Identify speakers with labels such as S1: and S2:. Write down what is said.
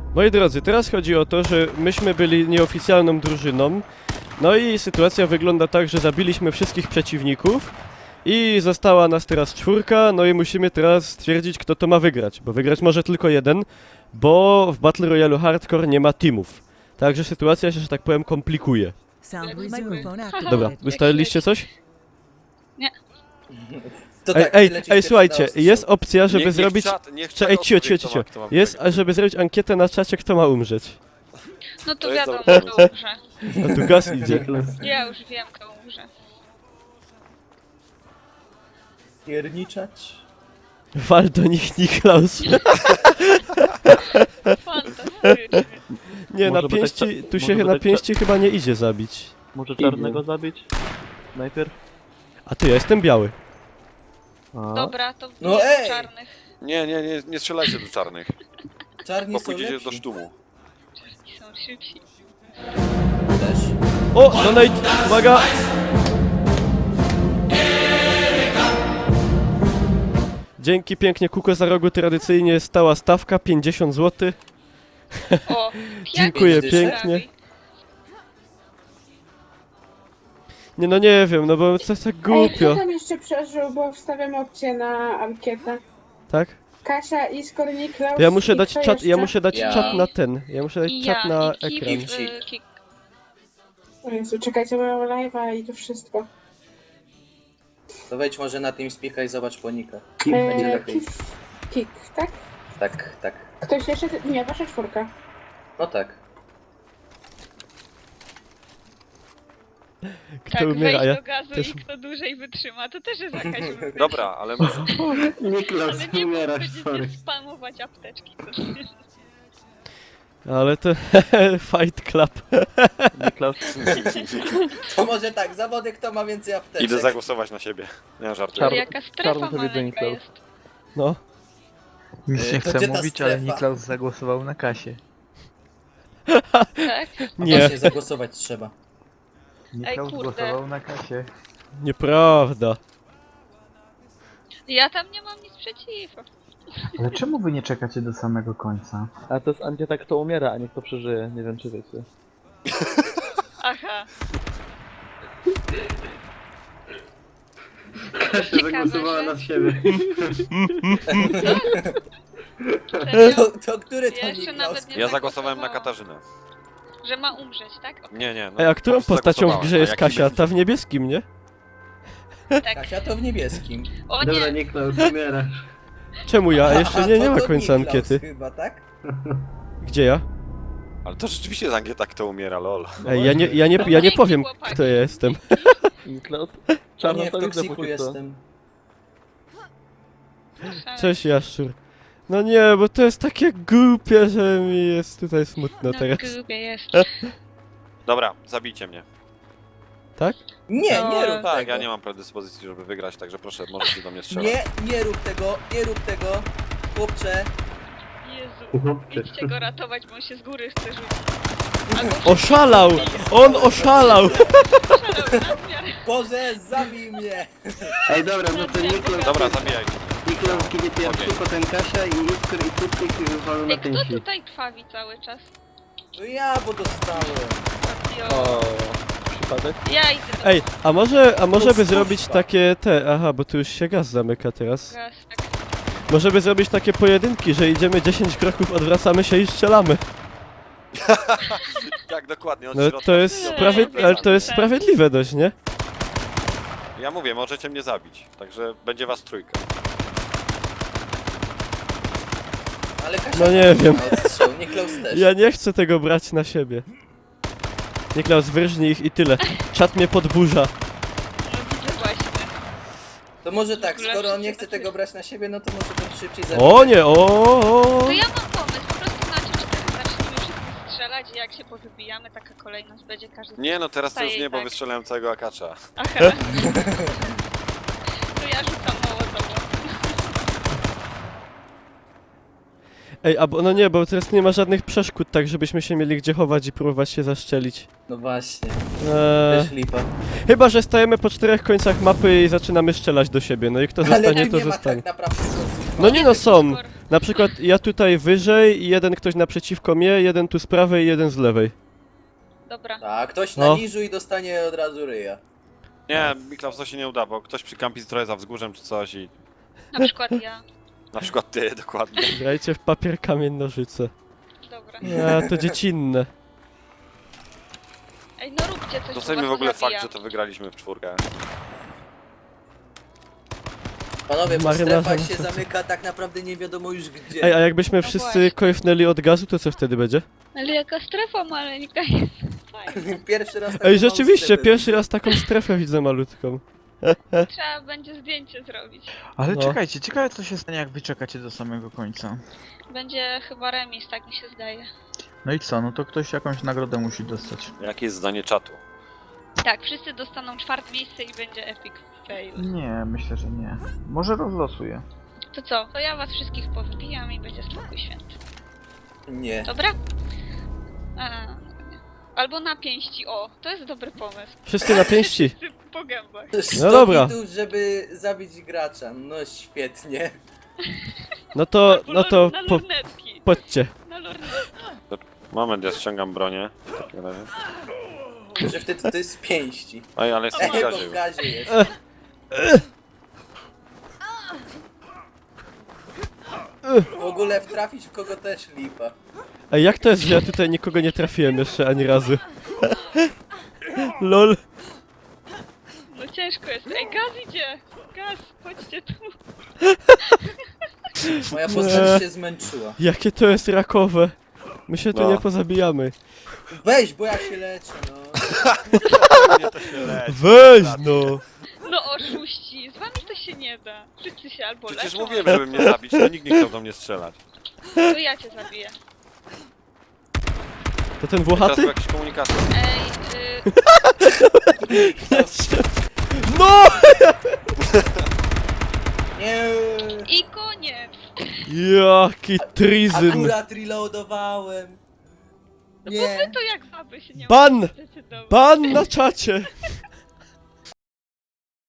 S1: Moi drodzy, teraz chodzi o to, że myśmy byli nieoficjalną drużyną. No i sytuacja wygląda tak, że zabiliśmy wszystkich przeciwników i została nas teraz 4, no i musimy teraz stwierdzić, kto to ma wygrać, bo wygrać może tylko jeden, bo w Battle Royale Hardcore nie ma teamów. Także sytuacja się, że tak powiem, komplikuje. Dobra, ustaliliście coś?
S2: Nie.
S3: To tak,
S1: Ej, słuchajcie, jest opcja, żeby zrobić...
S4: Niech
S1: Ej, cicho. Jest, żeby zrobić ankietę na czacie, kto ma umrzeć.
S2: No to
S4: To jest
S2: wiadomo,
S4: dobry
S2: kto umrze.
S1: A tu gaz idzie.
S2: Ja już wiem, kto umrze.
S3: Pierniczać.
S1: Wal do nich Niklaus.
S2: Fantastycznie.
S1: Nie,
S5: Może
S1: na
S5: by tak
S1: pięści, tu
S5: może
S1: się
S5: by
S1: na
S5: tak
S1: pięści chyba nie idzie zabić.
S5: Może czarnego zabić? Najpierw?
S1: A ty, ja jestem biały.
S5: A.
S2: Dobra, to
S3: No
S2: jest
S3: ej!
S2: czarnych.
S4: Nie strzelajcie do czarnych,
S3: Czarni
S4: bo
S3: są
S4: pójdziecie
S3: lepsi.
S4: do sztumu.
S2: Czarni są szybsi.
S3: Też.
S1: O, donate, uwaga! Dzięki pięknie, Kuko za rogu tradycyjnie stała stawka 50 zł.
S2: O,
S1: Dziękuję
S3: Pięć
S1: pięknie. Nie no nie wiem, no bo to jest tak
S6: Ej,
S1: głupio,
S6: kto tam jeszcze przeżył, bo wstawiam opcję na ankietę.
S1: tak?
S6: Kasia, Iskor, Niklaus
S1: To ja muszę
S6: i
S1: dać
S6: kto
S1: czat, ja
S6: jeszcze?
S1: muszę dać
S3: Ja.
S1: czat na ten, ja muszę dać
S2: I
S1: czat
S2: ja,
S1: na
S2: i
S1: ekran.
S2: Kik.
S6: O Jezu, czekajcie, mają live'a i to wszystko.
S3: To wejdź może na TeamSpeak'a i zobacz ponika. Będzie lepiej.
S6: Kik, tak?
S3: Tak.
S6: Ktoś jeszcze? Nie, wasza 4.
S3: No tak.
S1: Kto
S2: Tak,
S1: umiera, a
S2: wejść
S1: ja
S2: do gazu
S1: też...
S2: i kto dłużej wytrzyma, to też jest jakaś wypowiedź.
S4: Dobra, ale może...
S5: Niklaus,
S2: Ale nie będziecie spamować apteczki.
S1: Ale to... Fight Club.
S5: Niklaus,
S3: To może tak, zawody kto ma więcej apteczek.
S4: Idę zagłosować na siebie. Nie żartuję.
S2: Ale jaka strefa
S5: czarno sobie
S2: maleńka
S5: Niklaus.
S2: jest.
S1: No.
S7: Nic nie
S3: To
S7: chcę
S3: gdzie ta
S7: mówić, ale
S3: strefa?
S7: Niklaus zagłosował na kasie.
S2: Tak?
S1: Nie,
S3: Właśnie zagłosować trzeba.
S7: Niklaus
S2: kurde.
S7: głosował na kasie.
S1: nieprawda.
S2: Ja tam nie mam nic przeciwko.
S7: Ale czemu wy nie czekacie do samego końca?
S5: a to jest ankieta kto umiera, a nie kto przeżyje, nie wiem czy wiecie.
S2: Aha.
S5: Kasia
S2: zagłosowała na
S5: siebie.
S2: Serio?
S3: To który to
S2: Ja jeszcze
S3: Niklaus?
S2: nawet nie
S4: Ja zagłosowałem na
S2: zagłosowałam.
S4: Katarzynę.
S2: Że ma umrzeć, tak? Okej.
S4: Nie.
S1: Ej, a którą
S4: po prostu
S1: postacią w grze
S4: zagłosowałem,
S1: jest
S4: a jaki
S1: Kasia?
S4: będzie-
S1: Ta w niebieskim, nie?
S2: Tak.
S3: Kasia to w niebieskim.
S2: O nie,
S5: Niklaus, umierasz.
S1: Czemu ja? Jeszcze
S3: Aha,
S1: nie
S3: to
S1: ma
S3: to
S1: końca
S3: Niklaus
S1: ankiety.
S3: chyba, tak?
S1: Gdzie ja?
S4: Ale to rzeczywiście jest ankieta kto umiera, lol.
S1: Ej, ja nie powiem, kto ja jestem.
S5: Niklaus,
S3: To
S5: czarno
S3: nie, w
S5: to widzę
S3: toksiku
S5: póki co.
S3: jestem.
S1: Cześć, Jaszczur. No nie, bo to jest takie głupie, że mi jest tutaj smutno
S2: no
S1: teraz.
S2: grubie jest.
S4: Dobra, zabijcie mnie.
S1: Tak?
S3: Nie,
S2: No,
S3: nie rób
S4: Tak,
S3: tego.
S4: ja nie mam predyspozycji, żeby wygrać, także proszę, możecie do mnie strzelać.
S3: Nie rób tego, chłopcze.
S2: Jezu, idźcie go ratować, bo on się z góry chce rzucić. Albo
S1: Oszalał! On oszalał!
S2: przelał nadmiar.
S3: Boże, zabij mnie!
S5: Ej dobra, no to Niklaus,
S4: Dobra, zabijajcie.
S5: Niklaus kiedy pierwszy,
S4: Okej.
S5: potem Kasia i Iskor i Tutlik walą na
S2: Ej, kto
S5: pięści.
S2: tutaj krwawi cały czas?
S3: No ja, bo dostałem.
S2: Papio.
S5: O, przypadek?
S2: Ja idę do
S1: Ej, a może by
S3: Kurwa.
S1: zrobić takie te... Aha, bo tu już się gaz zamyka teraz.
S2: gaz. Tak.
S1: Może by zrobić takie pojedynki, że idziemy 10 kroków, odwracamy się i strzelamy.
S4: Tak, dokładnie, od
S1: No
S4: środka.
S1: to jest ale to jest sprawiedliwe dość, nie?
S4: Ja mówię, możecie mnie zabić, także będzie was trójka.
S3: Ale Kasia
S1: No nie wiem.
S3: odstrzał, Niklaus też.
S1: Ja nie chcę tego brać na siebie. Niklaus, wyrżnij ich i tyle. Czat mnie podburza.
S2: No widzę właśnie.
S3: To może tak,
S2: W ogóle
S3: skoro on nie
S2: wszyscy
S3: chce
S2: tak
S3: tego brać na siebie, no to może bym szybciej
S1: O nie, o.
S2: To ja mam pomysł, po prostu na 3-4 zacznijmy wszyscy strzelać i jak się powybijamy, taka kolejność będzie każdy...
S4: Nie no, teraz to już
S2: Staje
S4: nie, bo
S2: tak.
S4: wystrzelałem całego akacza.
S2: Aha. To ja rzucam Mołotowo.
S1: Ej, no nie, bo teraz nie ma żadnych przeszkód, tak żebyśmy się mieli gdzie chować i próbować się zaszczelić.
S3: No właśnie,
S1: Eee,
S3: też lipa.
S1: chyba, że stajemy po 4 końcach mapy i zaczynamy strzelać do siebie, no i kto
S3: Ale
S1: zostanie,
S3: tu
S1: to
S3: nie ma
S1: zostanie.
S3: tak naprawdę końców.
S1: No nie no, są. Na przykład ja tutaj wyżej i jeden ktoś naprzeciwko mnie, jeden tu z prawej i jeden z lewej.
S2: Dobra.
S3: A ktoś
S1: No.
S3: na niżu i dostanie od razu ryja.
S4: Nie, Miklaus, to się nie uda, bo ktoś przykampi trochę za wzgórzem czy coś i...
S2: Na przykład ja.
S4: Na przykład ty, dokładnie.
S1: Grajcie w papier, kamień, nożyce.
S2: Dobra.
S1: Nie, to dziecinne.
S2: Ej, no róbcie coś,
S4: Doceniamy
S2: bo
S4: w
S2: was
S4: ogóle fakt,
S2: zabija.
S4: że to wygraliśmy w czwórkę.
S3: Panowie, bo
S1: Marynarza
S3: strefa
S1: na
S3: się
S1: serce.
S3: zamyka tak naprawdę nie wiadomo już gdzie.
S1: Ej, a jakbyśmy
S2: No
S1: wszyscy
S2: właśnie.
S1: kojfnęli od gazu, to co wtedy będzie?
S2: Ale jaka strefa maleńka jest. Fajnie.
S3: Pierwszy raz taką
S1: Ej,
S3: małą
S1: rzeczywiście,
S3: strefę
S1: pierwszy raz taką strefę widzę malutką.
S2: Trzeba będzie zdjęcie zrobić.
S7: Ale
S1: No.
S7: czekajcie, ciekawe co się stanie jak wy czekacie do samego końca.
S2: Będzie chyba remis, tak mi się zdaje.
S7: No i co, no to ktoś jakąś nagrodę musi dostać.
S4: Jakie jest zdanie czatu?
S2: Tak, wszyscy dostaną 4. miejsce i będzie epic fail.
S7: Nie, myślę, że nie. Może rozlosuję.
S2: To co? To ja was wszystkich powybijam i będzie spokój święty.
S3: Nie.
S2: Dobra? A, no nie. Albo na pięści, o, to jest dobry pomysł.
S1: Wszyscy na pięści.
S2: Wszyscy po gębach.
S3: 100
S1: dobra.
S3: hitów, żeby zabić gracza. No świetnie.
S1: No to,
S2: Albo
S1: no to,
S2: na
S1: po,
S2: lornetki.
S1: chodźcie.
S2: Na lornetki.
S4: Moment, ja ściągam bronię. W takim razie.
S3: Że wtedy to jest z pięści.
S4: Oj, ale jestem w
S3: Bo
S4: gazie
S3: w
S4: już.
S3: gazie jest. W ogóle wtrafić w kogo też lipa.
S1: Ej, jak to jest, że ja tutaj nikogo nie trafiłem jeszcze ani razu? LOL.
S2: No ciężko jest. Ej, gaz idzie! Gaz, chodźcie tu.
S3: Moja postać się zmęczyła.
S1: Jakie to jest rakowe. My się tu
S4: No.
S1: nie pozabijamy.
S3: Weź, bo ja się leczę, no.
S4: Nie, to się leci.
S1: Weź no.
S2: No oszuści, z wami to się nie da. Wszyscy się albo
S4: Przecież
S2: leczą,
S4: mówiłem, żeby mnie zabić, to nikt nie chciał do mnie strzelać.
S2: to ja cię zabiję.
S1: To ten
S4: Teraz był
S1: włochaty?
S4: jakiś komunikator.
S2: Ej,
S1: Nie strzel- No!
S3: Nie.
S2: i koniec.
S1: Jaki trizyn.
S3: Akurat reloadowałem. Nie.
S2: To jak baby się nie
S1: Ban!
S2: mogą zdecydować.
S1: Ban na czacie.